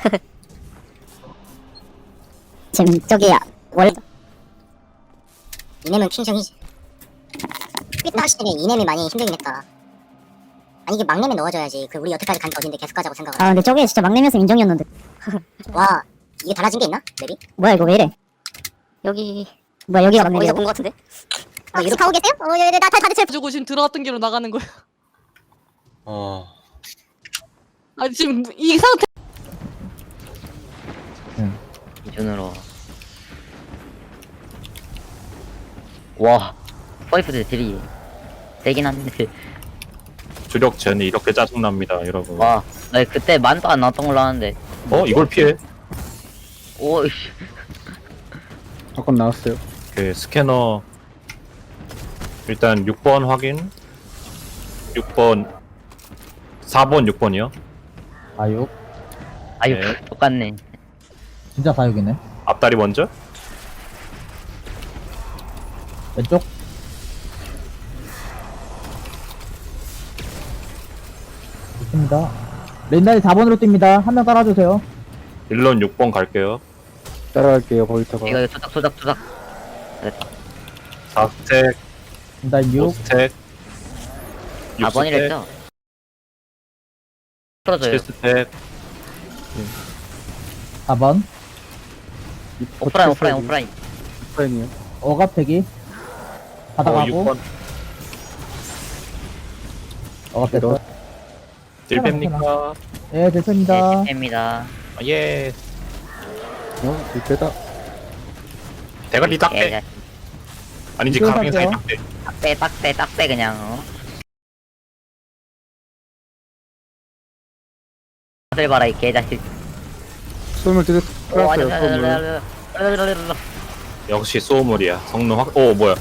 지금 저기 원래 이nem은 킹정이지. 삐딱시 때문에 이nem이 많이 힘들긴 했다. 아니 이게 막nem에 넣어줘야지. 그 우리 여태까지 간 게 어딘데 계속 가자고 생각을. 아 근데 저게 진짜 막내면서 인정이었는데. 와 이게 달라진 게 있나? 맵이? 뭐야 이거 왜 이래? 여기 뭐야 여기가 어디서 막내야? 본 거 같은데? 아 유럽 가고 계세요? 나 다들 제 가지고 지금 들어갔던 길로 나가는 거야. 아니 지금 이 상태. 기준으로 와 파이프들 딜이 세긴 한데 주력 젠이 이렇게 짜증납니다, 여러분. 와 나 그때 만도 안 나왔던 걸로 아는데 이걸 피해? 오이씨 아까 나왔어요. 그 스캐너 일단 6번 확인. 6번 4번 6번이요. 아육 아유 네. 똑같네 진짜 사육이네. 앞다리 먼저. 왼쪽 좋습니다. 렌날이 4번으로 뜁니다. 한 명 따라주세요. 1론 6번 갈게요. 따라갈게요. 거기다가. 이거 투닥 됐다 4스택, 일단 6 5스택, 4번이랬죠? 풀어줘요 7스택, 4번 오프라인 오프라인이요. 어갑대기 바닥하고 6번 어갑됐어. 딜뱀니까? 예 됐습니다. 네 됩니다 예. 이때다. 대가리 딱대. 아니지, 이거 가빙 사이 할게요. 딱대. 딱대 그냥 다들 봐라 이 개자식 소음을 뜯어 오 끌었어요. 아니야 소음을. 역시 소음물이야. 성능 확. 오 뭐야?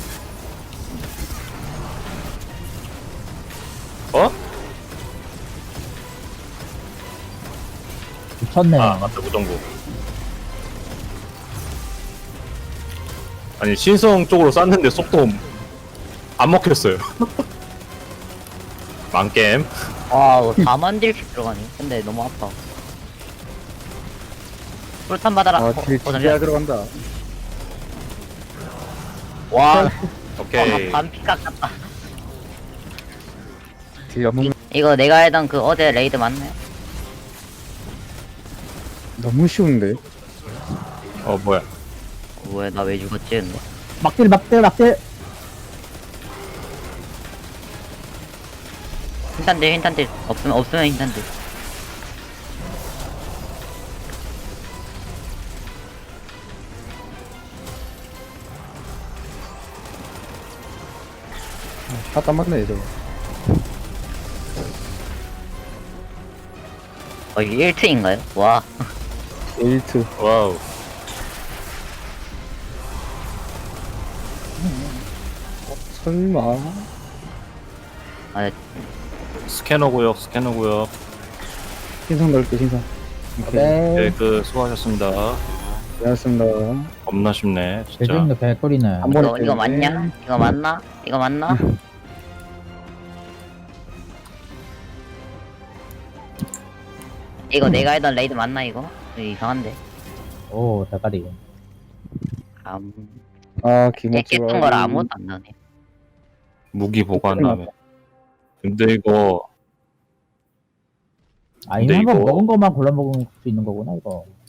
미쳤네. 아 맞다, 무정부. 아니 신성 쪽으로 쐈는데 속도 안 먹혔어요. 망겜. 와우 4만 딜씩 들어가니 근데 너무 아파 풀탄 받아라 딜 진짜 들어간다. 와 오케이. 반피 깎았다 딜 너무 이거 내가 했던 그 어제 레이드 맞나요? 너무 쉬운데. 뭐야? 뭐야 나 왜 죽었지 근데 막딜 흰탄들 없으면 흰탄들 다 맞네 저거. 이게 1트인가요? 와 에이트. 와우. 설마. 아, 스캐너 구역. 신상 넓게 신상. 오케이. 네, 네. 수고하셨습니다. 고맙습니다. 겁나 쉽네, 진짜. 대중도 개꿀이네. 한 번에 이거 때리네. 맞냐? 이거 맞나? 이거 내가 했던 레이드 맞나 이거? 이거 이상한데 오 대가리. 아 기모치가. 깼던 거라 아무것도 안 나네 무기 보관함에. 근데 이거 아니 근데 한번 이거- 먹은 것만 골라 먹을 수 있는 거구나 이거.